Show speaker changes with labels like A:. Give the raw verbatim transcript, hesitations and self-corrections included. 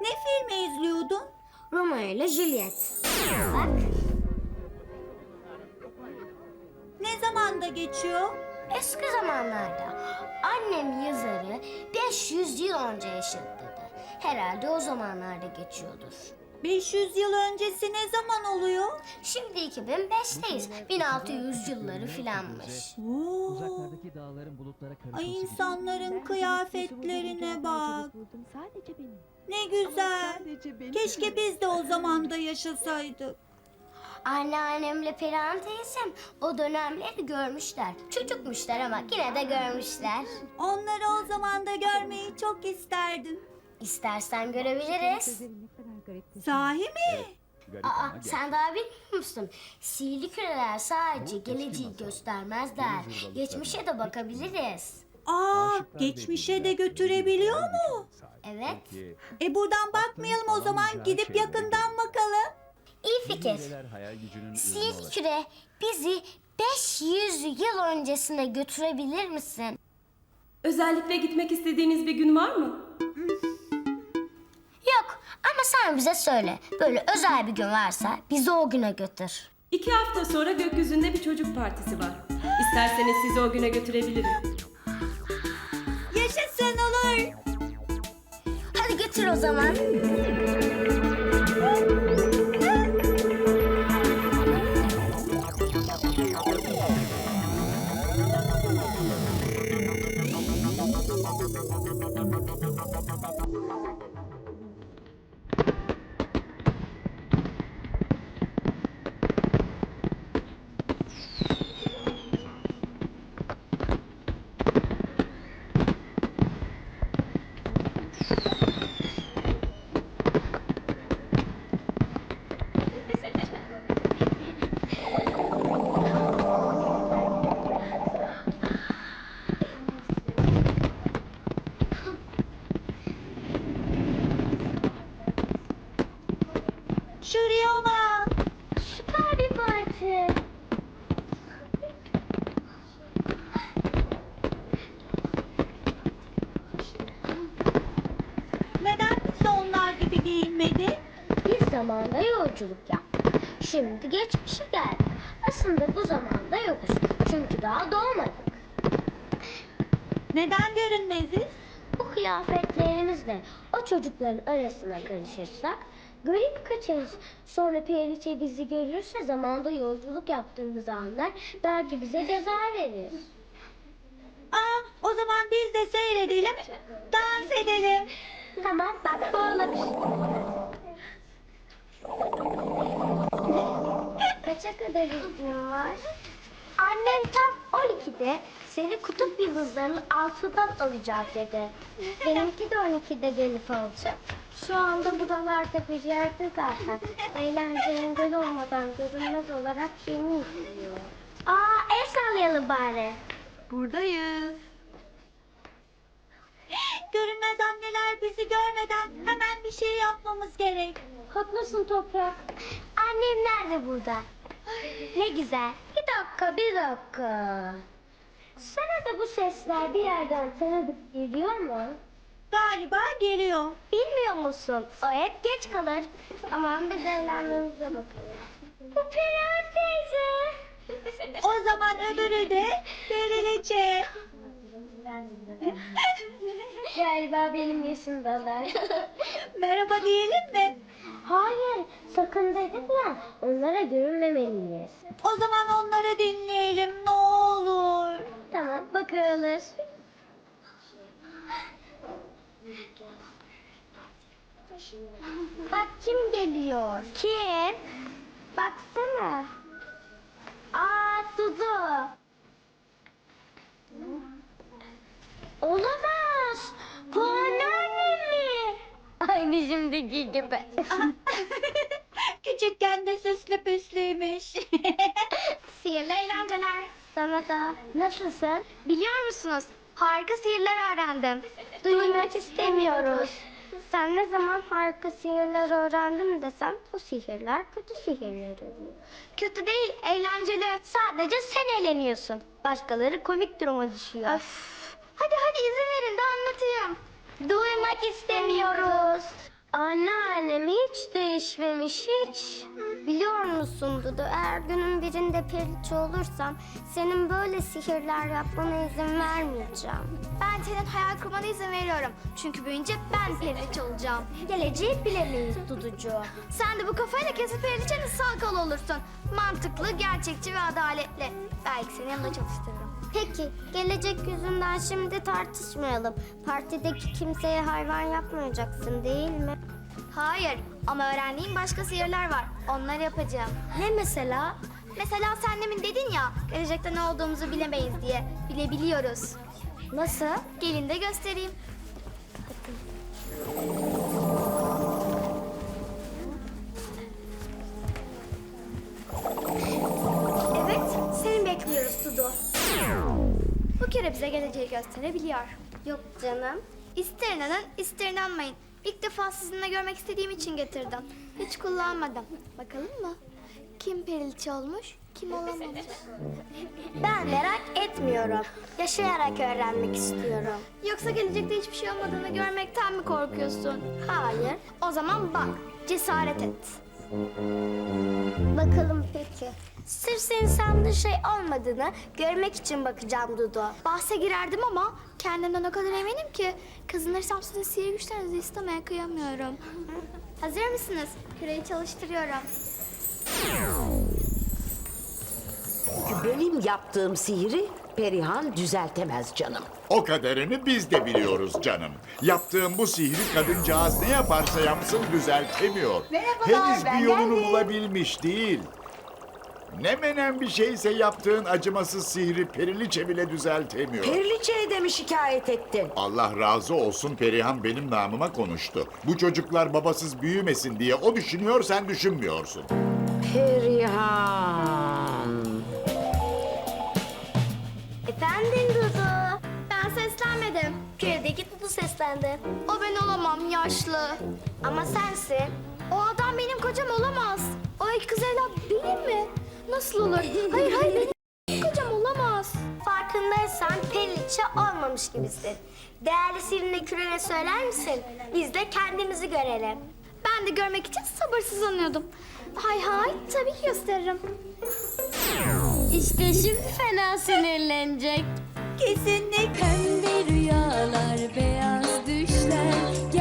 A: Ne filmi izliyordun?
B: Romeo ile Juliet. Bak.
A: Ne zamanda geçiyor?
B: Eski zamanlarda annem yazarı beş yüz yıl önce yaşadı dedi. Herhalde o zamanlarda geçiyordur.
A: beş yüz yıl öncesi ne zaman oluyor?
B: Şimdi iki bin beşteyiz. bin altı yüz yılları filanmış.
A: Oo.
C: Uzaklardaki dağların bulutlara karışması
A: Ay
C: gibi.
A: insanların kıyafetlerine bak.
D: Sadece benim.
A: Ne güzel.
D: Sadece benim.
A: Keşke biz de o zamanda yaşasaydık.
B: Anneannemle Perihan teyzem o dönemleri görmüşler. Çocukmuşlar ama yine de görmüşler.
A: Onları o zaman da görmeyi çok isterdim.
B: İstersen görebiliriz.
D: Sözlerin ne kadar garip.
A: Sahi mi?
C: Garip
B: Aa,
C: ama gerçek.
B: sen daha bilmiyor musun? Sihirli küreler sadece geleceği göstermezler. Geçmişe de bakabiliriz.
A: Aa,
C: Aşıklar
A: geçmişe de
C: birbirine
A: götürebiliyor
C: güzel bir
A: mu?
C: güce sahip.
B: Evet.
C: Peki,
A: E buradan bakmayalım o zaman, gidip yakından bakalım.
B: İyi
C: bu
B: fikir.
C: müjdeler hayal gücünün ürünü
B: Sihirli
C: olarak-
B: küre bizi beş yüz yıl öncesine götürebilir misin?
E: Özellikle gitmek istediğiniz bir gün var mı?
B: Yok ama sen bize söyle. Böyle özel bir gün varsa bizi o güne götür.
E: İki hafta sonra gökyüzünde bir çocuk partisi var. İsterseniz sizi o güne götürebilirim.
A: Yaşasın, olur.
B: Hadi götür o zaman.
A: Şuraya bak.
B: Süper bir parti.
A: Neden biz de onlar gibi giyinmedi?
B: Biz zamanda yolculuk yaptık. Şimdi geçmişe geldik. Aslında bu zamanda yokuz. Çünkü daha doğmadık.
A: Neden görünmeziz?
B: Bu kıyafetlerimizle o çocukların arasına karışırsak garip kaçarız. Sonra Periçe bizi görürse zamanda yolculuk yaptığımızı anlar. Belki bize ceza verir.
A: Aa, o zaman biz de seyredelim, dans edelim.
B: Tamam bak bu olabilir. Kaça kadar izin var? Annem tam on ikide seni kutup yıldızlarının altından alacak dedi. Benimki de on ikide gelip alacak. Şu anda buralarda bir yerde zaten. Eğlencenin böyle olmadan görünmez olarak beni izliyor. Aa el sallayalım bari.
A: Buradayız. Görünmez anneler bizi görmeden hemen bir şey yapmamız gerek.
B: Haklısın Toprak. Annem nerede burada? Ne güzel. Bir dakika, bir dakika. Sana da bu sesler bir yerden tanıdık geliyor mu?
A: Galiba geliyor.
B: Bilmiyor musun? O hep geç kalır. Aman biz evlenmemize bakalım. Bu Perihan teyze.
A: O zaman öbürü de Periliçe.
B: Galiba benim yaşımdalar.
A: Merhaba diyelim mi?
B: Hayır, sakın dedim ya. Onlara görünmemeliyiz.
A: O zaman onları dinleyelim ne olur.
B: Tamam, bakıyoruz. Bak kim geliyor? Kim? Baksana. Aa, Dudu. Olamaz. Bu anneannem mi? Aynı şimdiki gibi.
A: Küçükken de süslü püslüymüş.
B: Sihirli eğlenceler. Sana da. Nasılsın? Biliyor musunuz? Harika sihirler öğrendim. Duymak istemiyoruz. Sen ne zaman harika sihirler öğrendim desem bu sihirler kötü sihirler oluyor. Kötü değil, eğlenceli. Sadece sen eğleniyorsun. Başkaları komik duruma düşüyor. Öf. Hadi hadi izin verin de anlatayım. Duymak istemiyoruz. Anneannem hiç değişmemiş hiç. Biliyor musun Dudu, eğer günün birinde periliçe olursam senin böyle sihirler yapmana izin vermeyeceğim.
F: Ben senin hayal kurmana izin veriyorum. Çünkü büyüyünce ben periliçe olacağım.
B: Geleceği bilemeyiz Duducuğum.
F: Sen de bu kafayla kesin periliçenin sağ kolu olursun. Mantıklı, gerçekçi ve adaletli. Belki seni yanımda çalıştırırım.
B: Peki, gelecek yüzünden şimdi tartışmayalım. Partideki kimseye hayvan yapmayacaksın değil mi?
F: Hayır ama öğrendiğim başka sihirler var. Onları yapacağım.
B: Ne mesela?
F: Mesela sen demin dedin ya, gelecekte ne olduğumuzu bilemeyiz diye. Bilebiliyoruz.
B: Nasıl?
F: Gelin de göstereyim. Evet, seni bekliyoruz Dudu. Bu kere bize geleceği gösterebiliyor.
B: Yok canım.
F: İster inanın, ister inanmayın. İlk defa sizinle görmek istediğim için getirdim. Hiç kullanmadım. Bakalım mı? Kim periliçe olmuş, kim olamamış?
B: Ben merak etmiyorum. Yaşayarak öğrenmek istiyorum.
F: Yoksa gelecekte hiçbir şey olmadığını görmekten mi korkuyorsun?
B: Hayır.
F: O zaman bak, cesaret et.
B: Bakalım peki. Sırf senin sandığın şey olmadığını görmek için bakacağım Dudu.
F: Bahse girerdim ama kendimden o kadar eminim ki kazanırsam sizin sihir güçlerinizi istemeye kıyamıyorum. Hazır mısınız? Küreyi çalıştırıyorum.
G: Benim yaptığım sihiri Perihan düzeltemez canım.
H: O kadarını biz de biliyoruz canım. Yaptığım bu sihri kadıncağız ne yaparsa yapsın düzeltemiyor. Henüz bir yolunu bulabilmiş değil. Ne menen bir şeyse yaptığın acımasız sihri Periliçe bile düzeltemiyor.
G: Periliçe'ye de mi şikayet ettin?
H: Allah razı olsun, Perihan benim namıma konuştu. Bu çocuklar babasız büyümesin diye o düşünüyor, sen düşünmüyorsun.
G: Perihan.
B: Efendim Dudu.
F: Ben seslenmedim.
B: Köydeki Dudu seslendi.
F: O ben olamam, yaşlı.
B: Ama sensin.
F: O adam benim kocam olamaz. O iki kız evlat benim mi? Nasıl olur? Hayır hayır benim kocam olamaz.
B: Farkındaysan periliçe olmamış gibisin. Değerli sihirine kürene söyler misin? Biz de kendimizi görelim.
F: Ben de görmek için sabırsızlanıyordum. Hay hay, tabii ki gösteririm.
B: İşte şimdi fena sinirlenecek.
A: Kesinlikle.
D: Pembe rüyalar, beyaz düşler